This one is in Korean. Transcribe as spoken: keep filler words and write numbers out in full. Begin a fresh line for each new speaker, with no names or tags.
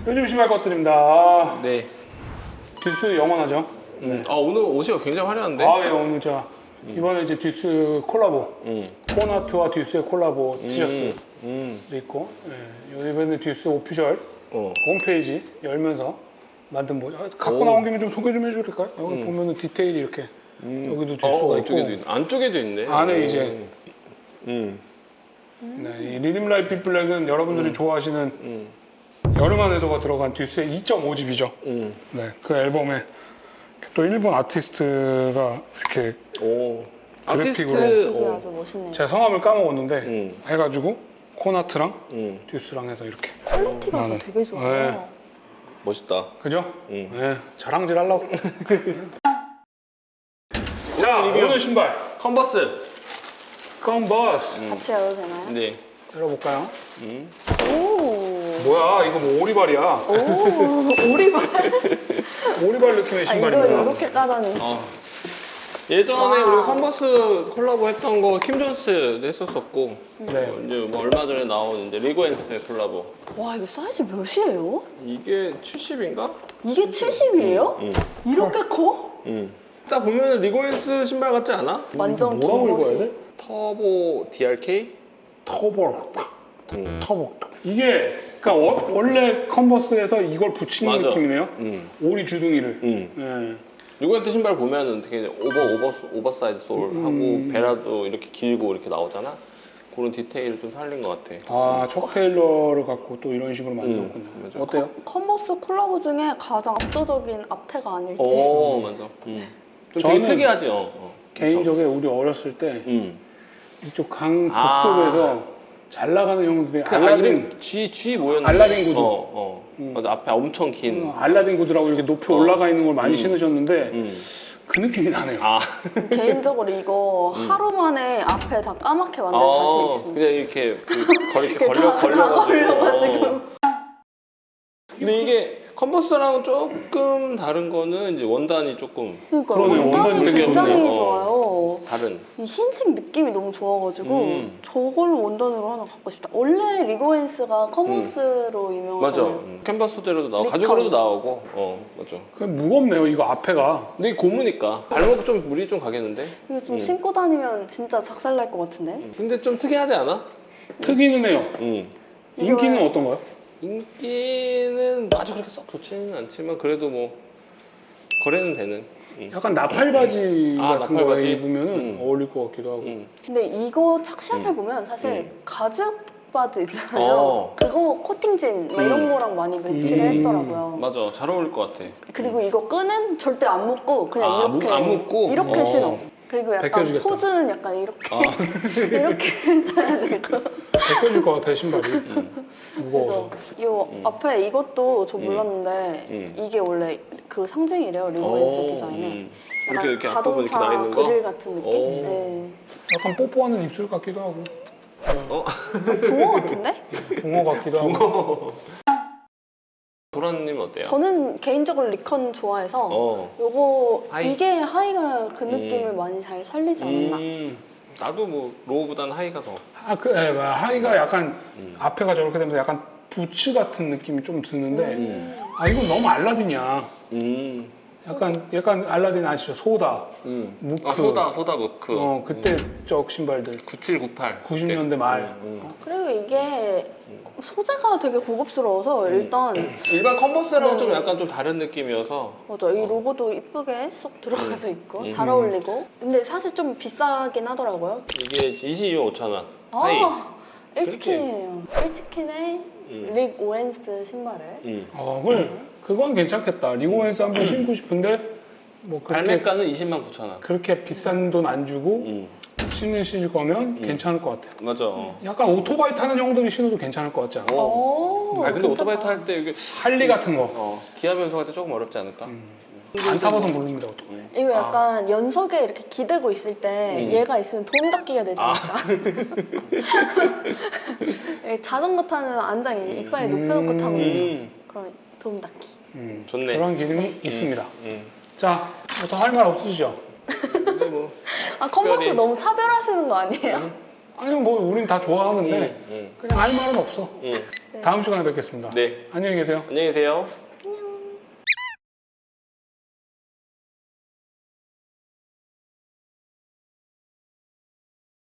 요즘 신발 것들입니다. 아,
네.
듀스 영원하죠.
네. 아 오늘 옷이 굉장히 화려한데?
아, 예, 오늘 자 음. 이번에 이제 듀스 콜라보,
음.
코나트와 듀스의 콜라보 티셔츠도
음.
있고, 예, 이번에 듀스 오피셜
어.
홈페이지 열면서 만든 뭐 아, 갖고
오.
나온 김에 좀 소개 좀 해줄까요? 여기
음.
보면은 디테일이 이렇게
음.
여기도 듀스가
어,
있고
안쪽에도 있, 안쪽에도 있네.
안에
오.
이제
음.
네, 이 리듬 라이프 블랙은 여러분들이
음.
좋아하시는
음.
여름 안에서가 들어간 듀스의 이 점 오 집이죠.
음.
네, 그 앨범에 또 일본 아티스트가 이렇게
오. 아티스트.
그래픽으로
이게
어.
아주 멋있네요.
제 성함을 까먹었는데
음.
해가지고 코나트랑
음.
듀스랑 해서 이렇게
퀄리티가
나는.
되게 좋아요.
네.
멋있다.
그죠?
음.
네, 자랑질 하려고. 자,
오늘 리뷰.
오늘 신발
컨버스.
컨버스
음.
같이 열어도 되나요?
네.
열어볼까요?
음.
오.
뭐야, 이거 뭐 오리발이야?
오. 오리발.
오리발 느낌의
아, 이걸
신발입니다.
이렇게 까다니.
어. 예전에
와.
우리 컨버스 콜라보 했던 거 킴 존스도 했었었고
네.
어, 이제 뭐 얼마 전에 나온 이제 리고엔스의 콜라보.
와, 이거 사이즈 몇이에요?
이게 칠십인가?
이게 칠십이에요?
응.
이렇게 커?
응. 딱 보면 리고엔스 신발 같지 않아?
완전 긴
뭐라고 읽어야
것이.
돼?
터보 디알케이?
터보.
응.
터보. 이게 그러니까 워- 원래 컨버스에서 이걸 붙이는
맞아.
느낌이네요.
응.
오리 주둥이를.
응.
네.
리고엔스 신발 보면은 되게 오버 오버 오버사이즈 솔하고
음.
베라도 이렇게 길고 이렇게 나오잖아. 그런 디테일을 좀 살린 것 같아.
아, 척 테일러를 갖고 또 이런 식으로 만들었군요.
음, 맞아.
어때요?
컨버스 콜라보 중에 가장 압도적인 앞태가 아닐지.
오 맞아. 응. 좀
저는
되게 특이하지. 어. 어.
개인적으로 우리 어렸을 때
응.
이쪽 강
아.
북쪽에서 잘 나가는 형들이
그 아,
알라딘,
이름 G G 뭐였는데?
알라딘 구두.
어, 어.
음.
맞아. 앞에 엄청 긴.
어, 알라딘 구두라고 이렇게 높이
어.
올라가 있는 걸 많이
음.
신으셨는데
음.
그 느낌이 나네요.
아.
개인적으로 이거
음.
하루 만에 앞에 다 까맣게 만들
어,
자신 있습니다.
그냥 이렇게 그 걸, 이렇게
이렇게
걸려
다, 다
걸려가지고.
걸려가지고.
어. 근데 이게 컨버스랑 조금 다른 거는 이제 원단이 조금
그러니까
그러네,
원단이
원단이 되게
굉장히
좋네. 어.
좋아요.
다른.
이 흰색 느낌이 너무 좋아가지고
음.
저걸 원단으로 하나 갖고 싶다. 원래 리고엔스가 컨버스로
맞아.
유명하잖아요.
음. 캔버스 소재로도 나오고
리컨.
가죽으로도 나오고. 어 맞아.
그 무겁네요, 이거 앞에가.
근데 이게 고무니까 발목 좀 무리 좀 가겠는데.
이거 좀
음.
신고 다니면 진짜 작살 날 것 같은데?
음. 근데 좀 특이하지 않아?
특이는 해요.
음.
인기는
이거는-
어떤가요?
인기는 아주 그렇게 썩 좋지는 않지만 그래도 뭐 거래는 되는. 음.
약간 나팔 바지
아,
같은
나팔
거에
바지?
입으면
음.
어울릴 것 같기도 하고.
음.
근데 이거 착샷을 보면 사실
음.
가죽 바지 있잖아요.
어.
그거 코팅진 막 이런
음.
거랑 많이 매치를
음.
했더라고요.
맞아, 잘 어울릴 것 같아.
그리고 이거 끈은 절대 안 묶고 그냥
아,
이렇게
묶- 안 묶고?
이렇게
어.
신어. 그리고 약간
벗겨지겠다.
포즈는 약간 이렇게
아.
이렇게 해줘야 되고.
벗겨질 것 같아, 신발이.
음.
무거워서.
그죠? 이
음.
앞에 이것도 저
음.
몰랐는데
음.
이게 원래 그 상징이래요 리고엔스
오,
디자인에.
음.
약간
이렇게 이렇게 앞부분 이렇게 나
자동차
있는 거.
그릴 같은 느낌?
오.
네.
약간 뽀뽀하는 입술 같기도 하고.
어?
붕어 같은데?
붕어 같기도 하고.
도라님 어때요?
저는 개인적으로 리컨 좋아해서
어.
요거
하이.
이게 하이가 그 느낌을
음.
많이 잘 살리지 않나.
음. 나도 뭐 로우보다는 하이가 더.
아, 그, 예, 하이가 약간
음.
앞에가 저렇게 되면서 약간 부츠 같은 느낌이 좀 드는데,
음.
아, 이건 너무 알라딘이야.
음.
약간, 약간 알라딘 아시죠? 소다.
음.
무크.
아 소다 소다 무크.
어, 그때 적 신발들.
구칠 구팔.
구십 년대 말.
음, 음.
그리고 이게 소재가 되게 고급스러워서
음.
일단
일반 컨버스랑
네.
좀 약간 좀 다른 느낌이어서.
맞아 이
어.
로고도 이쁘게 쏙 들어가져 있고
음.
잘 어울리고 근데 사실 좀 비싸긴 하더라고요.
이게 이십이만 오천 원. 하이.
아 일치킨이에요. 일치킨의
음.
릭 오웬스 신발을
음.
어, 그래. 그건 괜찮겠다. 리고엔스 한번 신고 싶은데, 뭐, 그렇게,
발매가는 이십만 구천 원.
그렇게 비싼 돈 안 주고
음.
신으실 거면 괜찮을 것 같아요.
맞아. 어.
약간 오토바이 타는 형들이 신어도 괜찮을 것 같지 않아?
어.
오,
아 근데 오토바이
괜찮다.
탈 때 이게
할리 같은 거.
어 기아 변속할 때 조금 어렵지 않을까?
안 타봐서 모릅니다, 오토바이.
음.
이거 약간 연석에 이렇게 기대고 있을 때
음.
얘가 있으면 돈 닦기가 되지
아.
않을까? 이 자전거 타는 안장이 이빨에 높여놓고 타거든요.
음.
그럼 돈 닦기.
음,
좋네.
그런 기능이 있습니다.
음.
자, 더 할 말 없으시죠?
근데 뭐
아 컨버스
특별히-
너무 차별하시는 거 아니에요?
아니 뭐 우린 다 좋아하는데
음, 음,
그냥 할 말은 없어.
음.
네.
다음 시간에 뵙겠습니다.
네.
안녕히 계세요.
안녕히 계세요.